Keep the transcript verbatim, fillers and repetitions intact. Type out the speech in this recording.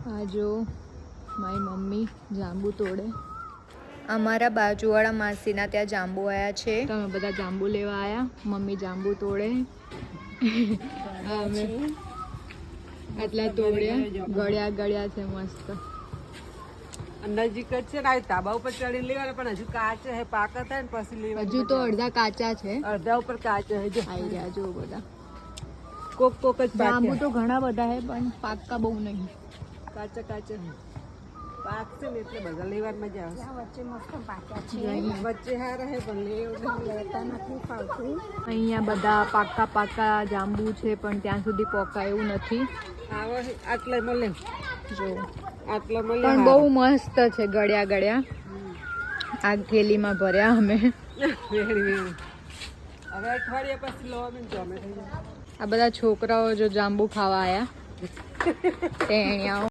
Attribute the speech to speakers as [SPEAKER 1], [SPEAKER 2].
[SPEAKER 1] આ જો મારી મમ્મી જાંબુ તોડે. અમારા બાજુવાળા માસીના ત્યાં જાંબુ આવ્યા છે. તમે બધા જાંબુ લેવા આવ્યા. મમ્મી જાંબુ તોડે. અમે આટલા તોડ્યા. ગળ્યા ગળ્યા છે મસ્ત.
[SPEAKER 2] નજીક જ છે ને, તાબા ઉપર ચડી લેવાના, પણ હજુ કાચ છે, પાકા થાય ને પછી લેવા.
[SPEAKER 1] હજુ તો અડધા કાચા છે,
[SPEAKER 2] અડધા ઉપર કાચ છે. જો
[SPEAKER 1] આવી ગયા જો બધા.
[SPEAKER 2] કોક કોક જ
[SPEAKER 1] જાંબુ તો ઘણા બધા છે પણ પાકા બહુ નહીં.
[SPEAKER 2] કાચા કાચા પાક છે ને એટલે બધા લેવાની મજા આવશે. વચ્ચે મસ્ત પાક્યા છે, વચ્ચે હારા હે પણ લેતા નથી ફાવતું.
[SPEAKER 1] અહીંયા બધા પાકા પાકા જાંબુ છે પણ ત્યાં સુધી પોકાય એવું નથી.
[SPEAKER 2] આવો આટલા મળે
[SPEAKER 1] જો,
[SPEAKER 2] આટલા મળે
[SPEAKER 1] પણ બહુ મસ્ત છે. ગળ્યા ગળ્યા આ થેલીમાં ભર્યા અમે.
[SPEAKER 2] વેરી વેરી હવે અઠવાડિયા પછી લો અમે જમે થઈ જાય.
[SPEAKER 1] આ બધા છોકરાઓ જો જાંબુ ખાવા આવ્યા ટેણિયાઓ.